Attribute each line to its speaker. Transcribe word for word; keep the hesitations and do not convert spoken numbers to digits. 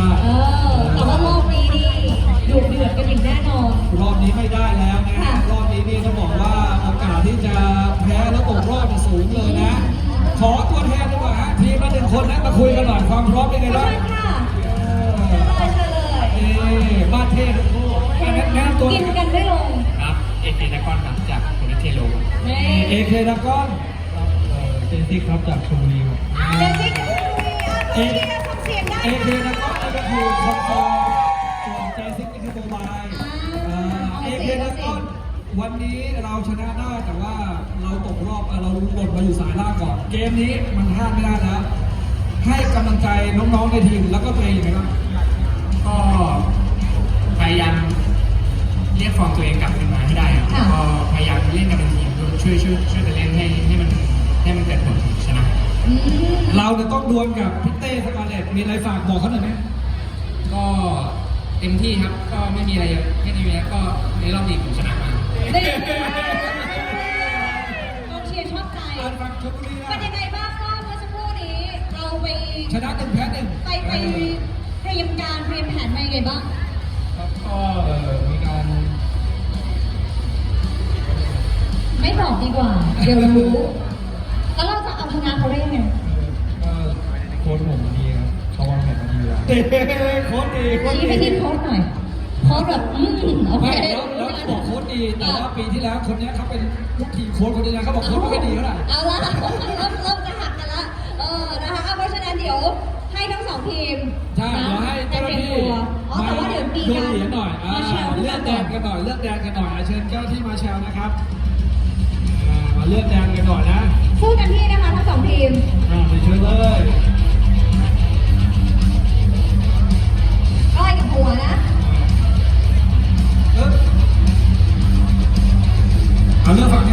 Speaker 1: เออแต่ว่ารอบนี้นี่ดุเดือดกันอย่างแน่นอน
Speaker 2: รอบนี้ไม่ได้แล้วนะรอบนี้นี่ต้องบอกว่าโอกาสที่จะแพ้แล้วตกรอบสูงเลยนะขอตัวแทนดีกว่าฮะทีมละหนึ่งคนนะมาคุยกันหน่อยความพร้อมเป็นไงบ้าง
Speaker 1: เชิญเลยเชิญเลย
Speaker 2: นี่บ้านเทพทั้งคู่แนะนำตัว
Speaker 1: กินกันไม่ลง
Speaker 3: ครับเอเคดากอนครับจากโคเนเทโล
Speaker 2: เอเคดากอนเจนซิกครับจากชลบุรีครับ
Speaker 1: เจนซิกเอเคทำเสียงได้
Speaker 2: เอเคดากอนก็คือคอนโซลส่วนเจนซิกก็คือโมบายเอเคดากอนวันนี้เราชนะได้แต่ว่าเราตกรอบเราหล่นมาอยู่สายล่างก่อนเกมนี้มันพลาดไม่ได้แล้วให้กำลังใจน้องๆในทีมแล้วก็ตัวเองยังไงบ้าง
Speaker 3: ก็พยายามเรียกฟอร์มตัวเองกลับขึ้นมาให้ได้ครับก็พยายามเล่นกันเป็นทีมช่วยช่วยช่วยกันเล่นให้ให้มันให้มันเกิดผลชนะ
Speaker 2: เราจะต้องดวลกับพี่เต้สกาเลตมีอะไรฝากบอกเขาหน่อยไหม
Speaker 3: ก็เต็มที่ครับก็ไม่มีอะไรไม่มีอะไรก็ในรอบนี้ผมชนะมาก
Speaker 1: องเชียร์ชอบใจเป็นยังไงบ้างก็เมื่อสักครู่นี้เราไป
Speaker 2: ชนะหนึ่งแพ้หนึ่ง
Speaker 1: ไปไปเตรียมการเตรียมแผนมายังไงบ้าง
Speaker 3: ครับก็มีการ
Speaker 1: ไม่บอกดีกว่าเดี๋ยวรู้แล้วเราจะเอาชนะเขาได้ยังไง
Speaker 3: ก็โค้ชผมดีครับเขาวางแผนมาดีแล้ว
Speaker 2: โค้ชดี
Speaker 1: ชี้ไปที่โค้ชหน่อยโค้ชแบบอืมโอเค
Speaker 2: แล้วแล้วบอกโค้ชดีแต่ว่าปีที่แล้วคนนี้เขาเป็นลูกทีมโค้ชคนนี้นะเขาบอกโค้ชไม่ค่อยดีเท่าไหร่
Speaker 1: เอาละเริ่มเริ่มจะหักกันละเออนะคะเพราะฉะนั้นเดี๋ยวให้ทั้งสองทีม
Speaker 2: ใช่เดี๋ยวให้เจ้าหน้าที่
Speaker 1: อ๋อแต่ว่าเดี๋ยวมีการ
Speaker 2: เหรียญหน่อยเลือกแดนกันหน่อยเลือกแดนกันหน่อยเชิญเจ้าหน้าที่มาแชร์นะครับมาเลือกแดนกันหน่อยนะ
Speaker 1: สู้กันที่นะคะทั้งสองทีม
Speaker 2: อ่าไปเชิญเลย
Speaker 1: ก้อยกับหัวนะ
Speaker 2: เอาเลือกฝั่ง